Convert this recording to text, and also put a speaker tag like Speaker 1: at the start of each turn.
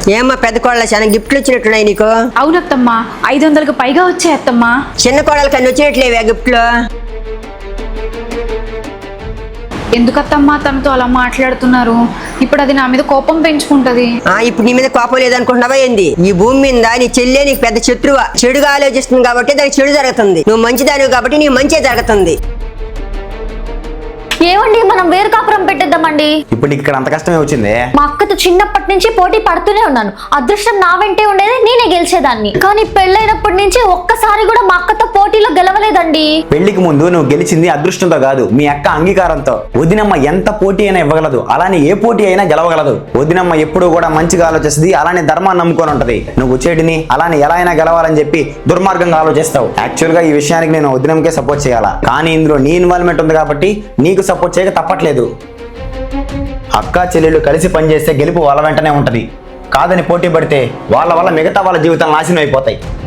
Speaker 1: ఏమ్మా పెద్ద కోడలు చాలా గిఫ్ట్లు వచ్చినట్టున్నాయి నీకు?
Speaker 2: అవునత్తమ్మా, 500కు పైగా వచ్చాయి అత్తమ్మా.
Speaker 1: చిన్న కోడలు కన్నా వచ్చినట్లేవే గిఫ్ట్లు?
Speaker 2: ఎందుకత్తమ్మా తనతో అలా మాట్లాడుతున్నారు? ఇప్పుడు అది నా మీద కోపం పెంచుకుంటది.
Speaker 1: ఇప్పుడు నీ మీద కోపం లేదనుకుంటున్నావా ఏంది? ఈ భూమి మీద నీ చెల్లె నీకు పెద్ద శత్రువా. చెడుగా ఆలోచిస్తుంది కాబట్టి దానికి చెడు జరుగుతుంది. నువ్వు మంచిదానివి కాబట్టి నీ మంచి జరుగుతుంది.
Speaker 3: ఏమండి, మనం వేరు కాపురం పెట్టేద్దామండి.
Speaker 4: ఇప్పుడు ఇక్కడ అంత కష్టమే వచ్చింది.
Speaker 3: మా అక్కతో చిన్నప్పటి నుంచి పోటీ పడుతూనే ఉన్నాను. అదృష్టం నా వెంటే ఉండేది, నేనే గెలిచేదాన్ని. కానీ పెళ్ళైనప్పటి నుంచి ఒక్కసారి కూడా మా అక్కతో పోటీలో గెలవలేదండి.
Speaker 4: పెళ్లికి ముందు నువ్వు గెలిచింది అదృష్టంతో కాదు, మీ అక్క అంగీకారంతో. వదినమ్మ ఎంత పోటీ అయినా ఇవ్వగలదు, అలానే ఏ పోటీ అయినా గెలవగలదు. వదినమ్మ ఎప్పుడు కూడా మంచిగా ఆలోచిస్తుంది, అలానే ధర్మాన్ని నమ్ముకొని ఉంటది. నువ్వు చెడుని అలానే ఎలా అయినా గెలవాలని చెప్పి దుర్మార్గంగా ఆలోచిస్తావు. యాక్చువల్ గా ఈ విషయానికి నేను వదినమ్మకే సపోర్ట్ చేయాలా, కానీ ఇందులో నీ ఇన్వాల్వ్మెంట్ ఉంది కాబట్టి నీకు సపోర్ట్ చేయక తప్పట్లేదు. అక్క చెల్లెళ్ళు కలిసి పనిచేస్తే గెలుపు వాళ్ళ వెంటనే ఉంటది. కాదని పోటీ పడితే వాళ్ళ వల్ల మిగతా వాళ్ళ జీవితాలు నాశనం అయిపోతాయి.